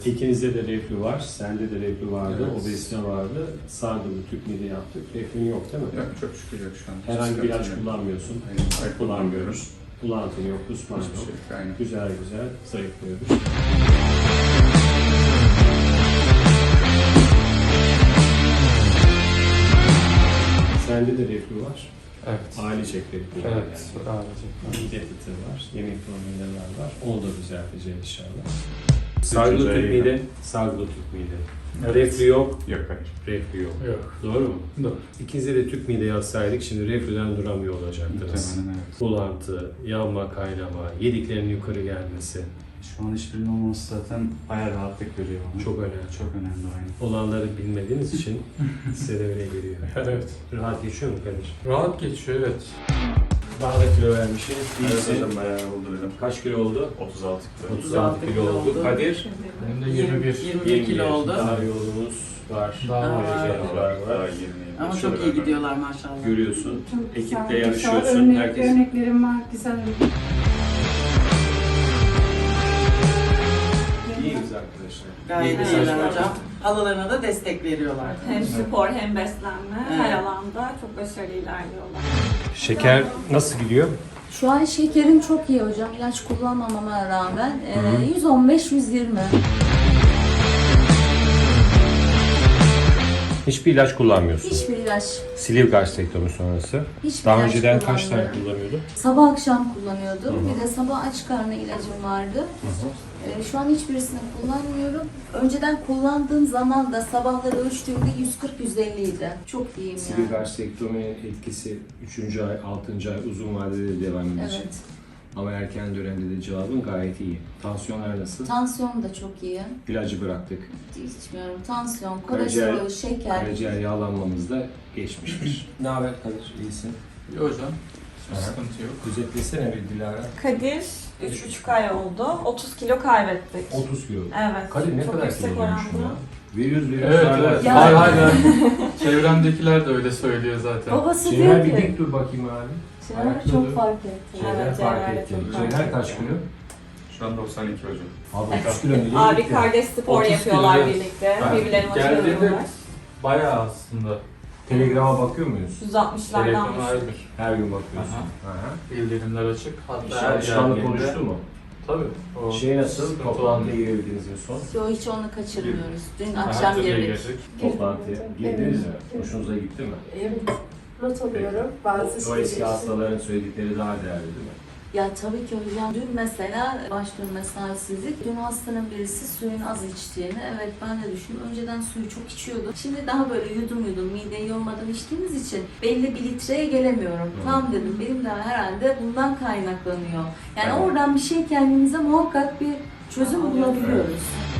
İkinizde de reflü var, sende de reflü vardı, Evet. obezite vardı. Sardılı tüp mide yaptık. Reflün yok değil mi? Yok, çok şükür yok şu an. Herhangi bir ilaç Sıkıntı yok. kullanmıyorsun. Hayır, Kullanmıyoruz. Bulantın yok, kusman Hiçbir yok. şey yok. Aynen. Güzel güzel zayıflıyoruz. Sende de reflü var. Evet. Ailecek reflü var Evet. yani. Ailecek. Mide fıtığı var, yemek problemleri var. Onu da düzelteceğiz inşallah. Sargılı Sargılı tüp tüp mide. mide, sargılı tüp mide. Evet. Reflü yok, Yok, hayır. reflü yok. Yok. Doğru mu? Doğru. İkinize de tüp mide yazsaydık şimdi reflüden duramıyor olacaktınız. Muhtemelen evet. Bulantı, yanma, kaynama, yediklerinin yukarı gelmesi Şu an hiçbirinin olması zaten bayağı rahatlık veriyor bana. çok önemli. Çok önemli aynen. Olanları bilmediğiniz için size de öyle geliyor. Evet. Rahat geçiyor mu Kadir? Rahat geçiyor, evet. Daha da kilo vermişsin. Evet İyisin. hocam bayağı oldu hocam. Kaç kilo oldu? 36 kilo. 36 kilo oldu. Kadir? Benim de 21. 21 kilo oldu. Daha yolumuz var. Daha var. Var. Daha 20. Ama çok iyi gidiyorlar maşallah. Görüyorsun. Çok güzel, Ekiple güzel yarışıyorsun. Herkes örneklerim var, güzel. iyiyiz arkadaşlar. Gayet İyi iyiler mesajlar. hocam. Halalarına da destek veriyorlar. Hem spor hem beslenme Evet. her alanda çok başarılı ilerliyorlar. Şeker nasıl gidiyor? Şu an şekerim çok iyi hocam. İlaç kullanmamama rağmen 115-120. Hiçbir ilaç kullanmıyorsun. Hiçbir ilaç, Sleeve gastrektomi sonrası. hiçbir Daha ilaç önceden kaç tane kullanmıyorum. kullanıyordun? Sabah akşam kullanıyordum. Bir de sabah aç karnı ilacım vardı. Şu an hiçbirisini kullanmıyorum. Önceden kullandığım zaman da sabahları ölçtüğümde 140-150 idi. Çok iyiyim Sleeve yani. gastrektominin etkisi 3. ay, 6. ay uzun vadede de devam edecek. Evet. Ama erken dönemde de cevabın gayet iyi. Tansiyonlar nasıl? Tansiyon da çok iyi. İlacı bıraktık. İçmiyorum. Tansiyon, Karaciğer- kolesterol, şeker. Karaciğer yağlanmamız da geçmiştir. Ne haber Kadir? İyisin. İyi hocam. Hiçbir Aha. sıkıntı yok. Özetlesene bir Dilara. Kadir 3,5 ay oldu. 30 kilo kaybettik. 30 kilo. Evet. Kadir ne çok kadar yüksek kilo olmuş oranda. ya? Veriyoruz Evet, hala. evet. Ya. Hayır, hayır. Çevremdekiler de öyle söylüyor zaten. Babası Cevher diyor bir ki, dik dur bakayım abi. Cevher Ayakta çok dur. fark etti. Cevher Evet, fark Cevher de etti. çok fark Cevher kaç kilo? Şu an 92 hocam. Abi 30 kilo nereye Abi gitti? kardeş spor 30 yapıyorlar kilo, evet. birlikte. Ben Birbirlerine geldiğimde motive bayağı aslında. Telegrama bakıyor muyuz? 160'lardan Telegram düştük. ayrıdır. Her gün bakıyorsun. Aha. Aha. Bildirimler açık. Hatta her Alışkanlık geldiğinde- oluştu mu? Tabii. O Şey nasıl? sıkıntı Toplantıya olmuyor. girebildiniz en son. Yo, hiç onu kaçırmıyoruz. Dün Aha, akşam tabii girdik. girdik. Toplantıya girdiniz mi? Hoşunuza gitti mi? Evet, not alıyorum. Bazı O eski şeyleri- hastaların söyledikleri daha değerli değil mi? Ya tabii ki hocam. Dün mesela baş dönmesi halsizlik. Dün hastanın birisi suyun az içtiğini. Evet, ben de düşündüm. Önceden suyu çok içiyordum. Şimdi daha böyle yudum yudum mideyi yormadan içtiğimiz için belli bir litreye gelemiyorum. Tam dedim, benim de herhalde bundan kaynaklanıyor. Yani Evet. oradan bir şey kendimize muhakkak bir çözüm bulabiliyoruz.